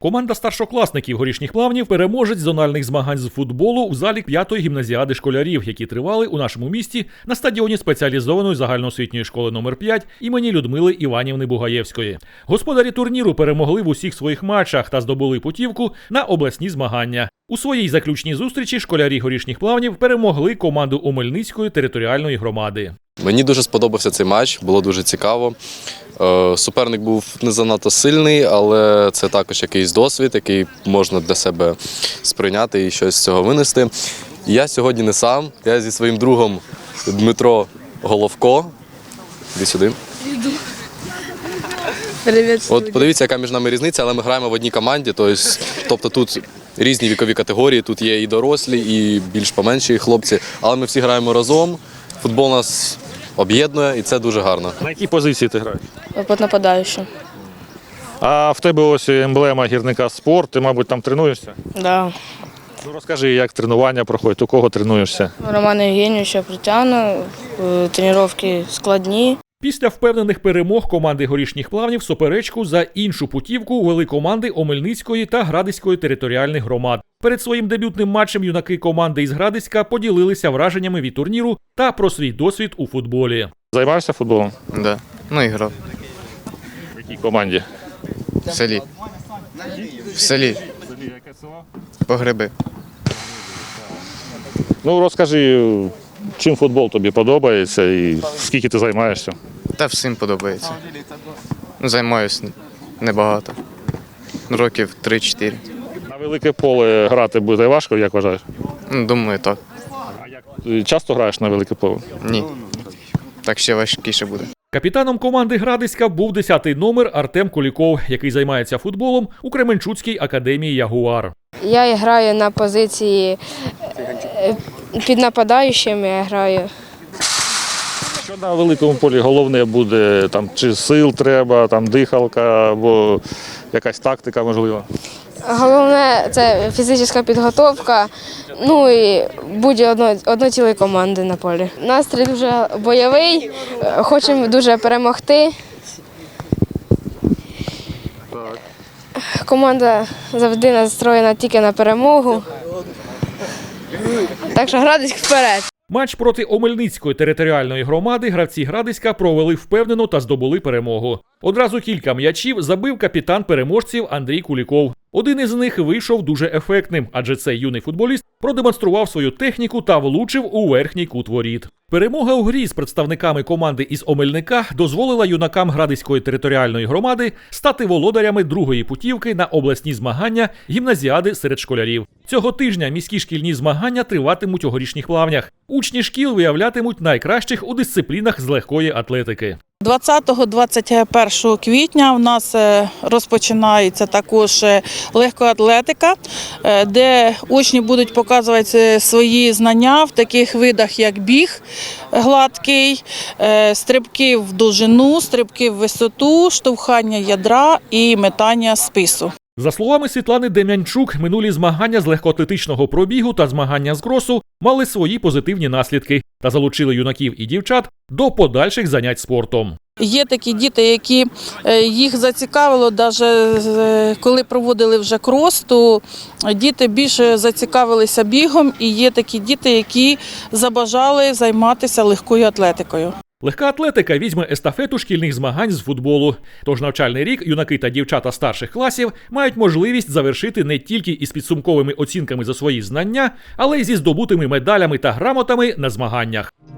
Команда старшокласників Горішніх Плавнів – переможець зональних змагань з футболу у залі 5-ї гімназіади школярів, які тривали у нашому місті на стадіоні спеціалізованої загальноосвітньої школи номер 5 імені Людмили Іванівни Бугаєвської. Господарі турніру перемогли в усіх своїх матчах та здобули путівку на обласні змагання. У своїй заключній зустрічі школярі Горішніх Плавнів перемогли команду Омельницької територіальної громади. Мені дуже сподобався цей матч, було дуже цікаво. Суперник був не занадто сильний, але це також якийсь досвід, який можна для себе сприйняти і щось з цього винести. Я сьогодні не сам, я зі своїм другом Дмитро Головко. Іди сюди. Привіт. От подивіться, яка між нами різниця, але ми граємо в одній команді, тобто тут різні вікові категорії, тут є і дорослі, і більш поменші хлопці, але ми всі граємо разом, футбол нас об'єднує і це дуже гарно. На якій позиції ти граєш? Під нападаючим. А в тебе ось емблема гірника «Спорт», ти, мабуть, там тренуєшся? Да. Ну, розкажи, як тренування проходить, у кого тренуєшся? Романа Євгенійовича притягну, тренування складні. Після впевнених перемог команди Горішніх Плавнів суперечку за іншу путівку вели команди Омельницької та Градиської територіальних громад. Перед своїм дебютним матчем юнаки команди із Градиська поділилися враженнями від турніру та про свій досвід у футболі. Займаєшся футболом? Да. Ну і грав. В якій команді? В селі. В селі. Погреби. Ну, розкажи, чим футбол тобі подобається і скільки ти займаєшся? Та всім подобається. Ну, займаюся небагато. Років 3-4. На велике поле грати буде важко, як вважаєш? Ну, думаю, так. Ти часто граєш на велике поле? Ні. Так ще важкіше буде. Капітаном команди Градиська був 10-й номер Артем Куліков, який займається футболом у Кременчуцькій академії «Ягуар». Я граю на позиції під нападаючим, я граю. Що на великому полі головне буде, там, чи сил треба, там, дихалка або якась тактика можливо? Головне – це фізична підготовка, ну і будь одної команди на полі. Настрій дуже бойовий, хочемо дуже перемогти. Команда завжди настроєна тільки на перемогу. Так що Градиськ вперед! Матч проти Омельницької територіальної громади гравці Градиська провели впевнено та здобули перемогу. Одразу кілька м'ячів забив капітан переможців Андрій Куліков. Один із них вийшов дуже ефектним, адже цей юний футболіст продемонстрував свою техніку та влучив у верхній кут воріт. Перемога у грі з представниками команди із Омельника дозволила юнакам Градиської територіальної громади стати володарями другої путівки на обласні змагання гімназіади серед школярів. Цього тижня міські шкільні змагання триватимуть у Горішніх Плавнях. Учні шкіл виявлятимуть найкращих у дисциплінах з легкої атлетики. 20-21 квітня у нас розпочинається також легкоатлетика, де учні будуть показувати свої знання в таких видах, як біг гладкий, стрибки в довжину, стрибки в висоту, штовхання ядра і метання спису. За словами Світлани Дем'янчук, минулі змагання з легкоатлетичного пробігу та змагання з кросу мали свої позитивні наслідки та залучили юнаків і дівчат до подальших занять спортом. Є такі діти, які їх зацікавило, навіть коли проводили вже крос, то діти більше зацікавилися бігом, і є такі діти, які забажали займатися легкою атлетикою. Легка атлетика візьме естафету шкільних змагань з футболу. Тож навчальний рік юнаки та дівчата старших класів мають можливість завершити не тільки із підсумковими оцінками за свої знання, але й зі здобутими медалями та грамотами на змаганнях.